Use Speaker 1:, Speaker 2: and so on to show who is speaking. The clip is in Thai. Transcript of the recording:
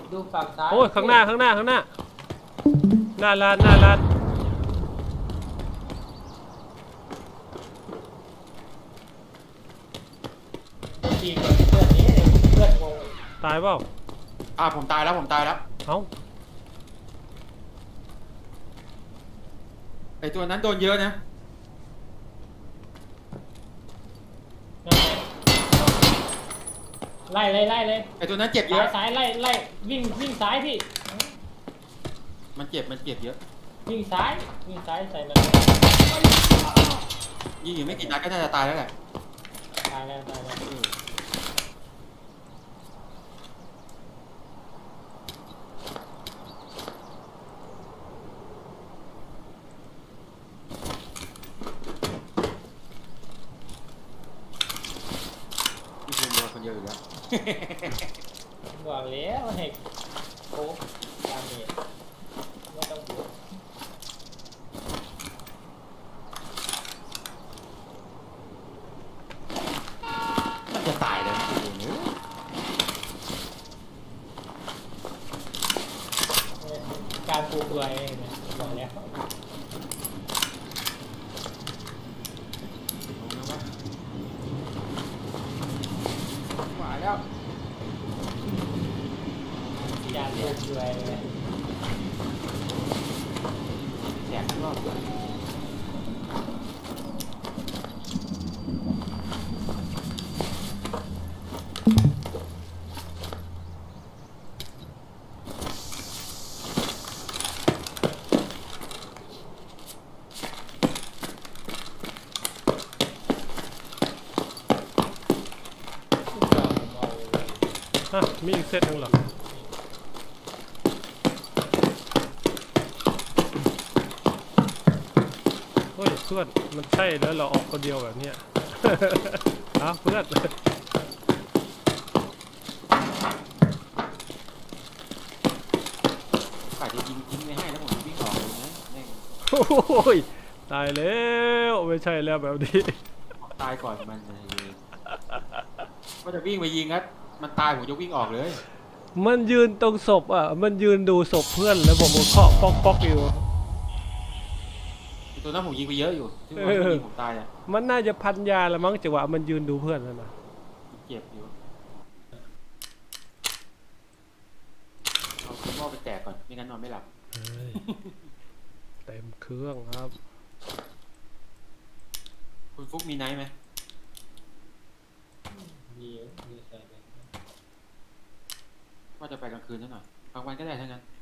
Speaker 1: ดูฝั่งซ้าย
Speaker 2: โอ้ยข้างหน้าหน้าลาน
Speaker 1: ทีกับเพื่อนนี้เพื่อนงง
Speaker 2: ตายเปล่า
Speaker 3: ผมตายแล้ว
Speaker 2: เอ้า
Speaker 3: ไอตัวนั้นโดนเยอะนะ
Speaker 1: ไล่เลย
Speaker 3: ไอตัวนั้นเจ็บเยอะ
Speaker 1: ซ้ายไล่วิ่งซ้ายพี่
Speaker 3: มันเจ็บเยอะ
Speaker 1: วิ่งซ้ายใส่มัน
Speaker 3: ยิงอยู่ไม่กี่นัดก็น่าจะตายแล้วแหละ
Speaker 1: ตายแล้ว
Speaker 3: มีคนเดียวคนเดียวอยู่แล้ว
Speaker 1: บอกแล้วให้โค้งตามนี้ไม่ต้องบวก
Speaker 3: มันจะตายเลย
Speaker 1: การปลูกตัวเองเนี่ยบอกแล้ว
Speaker 3: หวาแล้ว
Speaker 1: การปลูกตัวเองเนี่ย
Speaker 3: แจกรอบเลย
Speaker 2: มีอีกเซตนึงเหรอเฮ้ยเพื่อนมันใช่แล้วเราออกคนเดียวแบบเนี้ย เพื่อน
Speaker 3: ฝ่ายจะยิงไม่ให้แล้วผมวิ่งออกเลยนะแม่ง
Speaker 2: โอ้ยตายแล้วไม่ใช่แล้วแบบนี้
Speaker 3: ตายก่อนมันเลยก็จะวิ่งไปยิงครับมันตายผมจะวิ่งออกเลย
Speaker 2: มันยืนตรงศพอ่ะมันยืนดูศพเพื่อนแล้วผมก็เคาะป๊อกอยู่
Speaker 3: ตัวนั้นผมยิงไปเยอะอยู่ที่ว่ายิงผมตายอ่ะ
Speaker 2: มันน่าจะพันยาละมั้งจังหวะมันยืนดูเพื่อนนั่นนะ
Speaker 3: เจ็บอยู่เอาคุณหม้อไปแตกก่อนไม่งั้นนอนไม่หลับ
Speaker 2: เต็มเครื่องครับ
Speaker 3: คุณฟุกมีไนท์ไหม
Speaker 1: มีใส่ไป
Speaker 3: ว่าจะไปกลางคืนซะหน่อยกลางวันก็ได้ทั้งนั้น